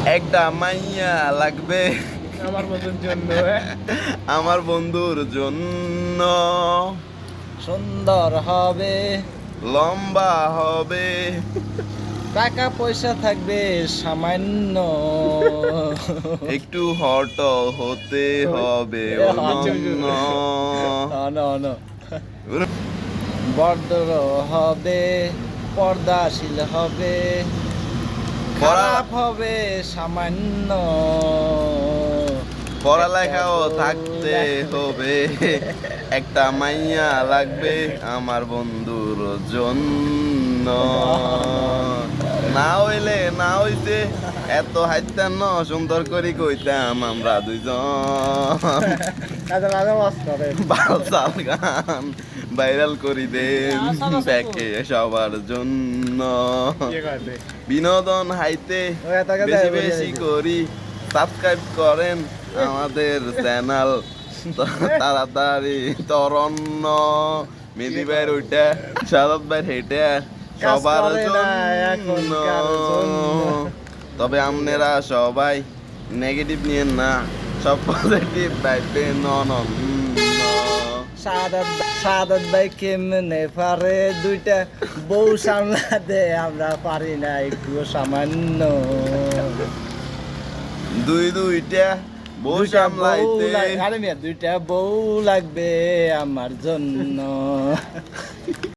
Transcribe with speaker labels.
Speaker 1: একটা মাইয়া লাগবে
Speaker 2: আমার বন্ধুর জন্য।
Speaker 1: আমার বন্ধুর জন্য।
Speaker 2: সুন্দর হবে,
Speaker 1: লম্বা হবে,
Speaker 2: টাকা পয়সা থাকবে সামান্য।
Speaker 1: একটু হট হতে হবে অনন্য।
Speaker 2: বর্দর হবে, পর্দাশীল হবে, খারাপ হবে সামান্য।
Speaker 1: পড়ালেখাও থাকতে হবে, একটা মাইয়া লাগবে আমার বন্ধুর জন্য। না হইলে না হইতে এত হাইতাম ন সুন্দর করে কইতাম আমরা দুইজন। বালসাল গান ভাইরাল করি দেন ব্যাকে সবার জন্য। বিনোদন হাইতে বেশি বেশি করি, সাবস্ক্রাইব করেন আমাদের চ্যানেল তাড়াতাড়ি। তরন্ন মেদি ভাইয়ের ওইটা, সাদাত ভাইয়ের হেঁটে সবার জন্য। তবে আপনারা সবাই নেগেটিভ নিয়েন না, সব পজিটিভ ভাইবেন।
Speaker 2: সাদাত ভাই কেমনে পারে দুইটা বউ সামলাতে, আমরা পারি না একটু সামান্য।
Speaker 1: দুইটা বউ সামলাইতে,
Speaker 2: আরে মিয়া দুইটা বউ লাগবে আমার জন্য।